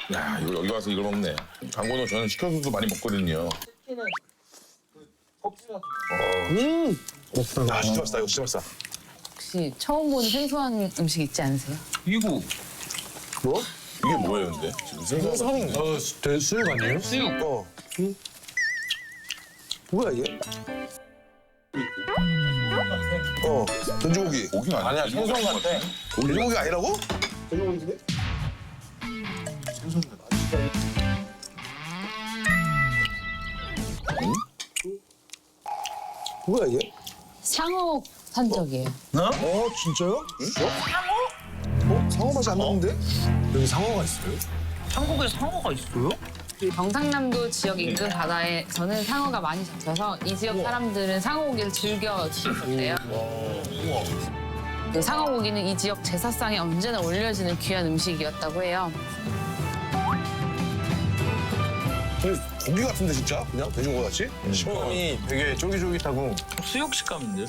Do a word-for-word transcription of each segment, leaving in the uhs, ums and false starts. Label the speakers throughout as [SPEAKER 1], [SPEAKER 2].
[SPEAKER 1] 야, 이거 여기 와서 이걸 먹네. 강건호 저는 시켜서도 많이 먹거든요.
[SPEAKER 2] 음. 야, 진짜 맛있다. 이거 진짜 맛있다.
[SPEAKER 3] 혹시 처음 보는 생소한 음식 있지 않으세요?
[SPEAKER 4] 이거
[SPEAKER 2] 뭐?
[SPEAKER 1] 이게 뭐예요, 근데? 지금 생선.
[SPEAKER 2] 어, 대 수육 아니에요?
[SPEAKER 4] 수육.
[SPEAKER 2] 어. 응? 뭐야 이게? 어, 돼지고기.
[SPEAKER 1] 고기가 아니야.
[SPEAKER 5] 아니야, 생선 같아.
[SPEAKER 2] 돼지고기 아니라고? 뭐야 이게?
[SPEAKER 3] 상어 산적이에요.
[SPEAKER 2] 어, 진짜요? 상어? 어? 상어 맛이 안 나는데? 여기 상어가 있어요?
[SPEAKER 4] 한국에 상어가 있어요?
[SPEAKER 3] 이 경상남도 지역 인근 바다에서는 상어가 많이 잡혀서 이 지역 사람들은 상어고기를 즐겨 드셨대요. 그 상어고기는 이 지역 제사상에 언제나 올려지는 귀한 음식이었다고 해요.
[SPEAKER 2] 되게 고기 같은데 진짜? 그냥 돼지고기 같이?
[SPEAKER 5] 식감이 되게 쫄깃쫄깃하고.
[SPEAKER 4] 수육 식감인데?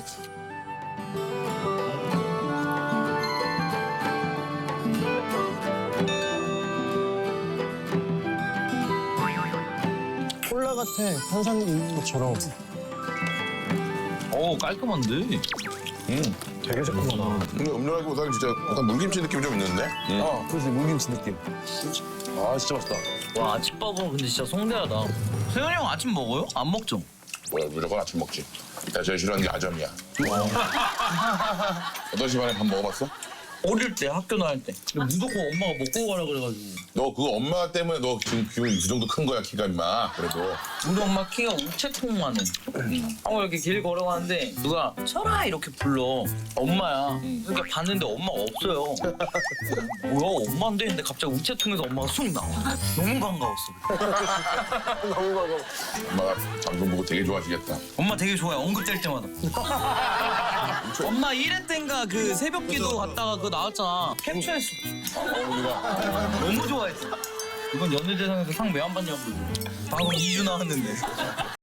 [SPEAKER 5] 콜라 같아. 탄산 있는 것처럼.
[SPEAKER 4] 어 깔끔한데?
[SPEAKER 1] 음.
[SPEAKER 5] 되게 새콤하다.
[SPEAKER 1] 근데 음료라기보다는 진짜 약간 물김치 느낌이 좀 있는데? 음.
[SPEAKER 5] 어, 그렇지. 물김치 느낌. 아, 진짜 맛있다.
[SPEAKER 4] 와 아침밥은 근데 진짜 성대하다. 세현이 형 아침 먹어요? 안 먹죠?
[SPEAKER 1] 뭐야, 무조건 아침 먹지. 나 제일 싫어하는 게 아점이야. 여덟 시 반에 밥 먹어봤어?
[SPEAKER 4] 어릴 때 학교 나갈 때 근데 무조건 엄마가 먹고 가라 그래가지고
[SPEAKER 1] 너 그거 엄마 때문에 너 지금 기분이 이 정도 큰 거야, 키가 임마. 그래도.
[SPEAKER 4] 우리 엄마 키가 우체통만 해. 어 이렇게 길 걸어가는데 누가 철아 이렇게 불러. 엄마야. 그러니까 봤는데 엄마가 없어요. 뭐야 엄마인데? 근데 갑자기 우체통에서 엄마가 쑥 나와. 너무 반가웠어.
[SPEAKER 1] 엄마가 방송 보고 되게 좋아하시겠다.
[SPEAKER 4] 엄마 되게 좋아해. 언급될 때마다. 엄마 일 회 때인가 그 새벽기도 갔다가 그거 나왔잖아. 캡처했어.
[SPEAKER 1] 어머니가
[SPEAKER 4] 너무 좋아했어. 이건 연예대상에서 상 왜 안 받냐고. 방금 이 주 나왔는데.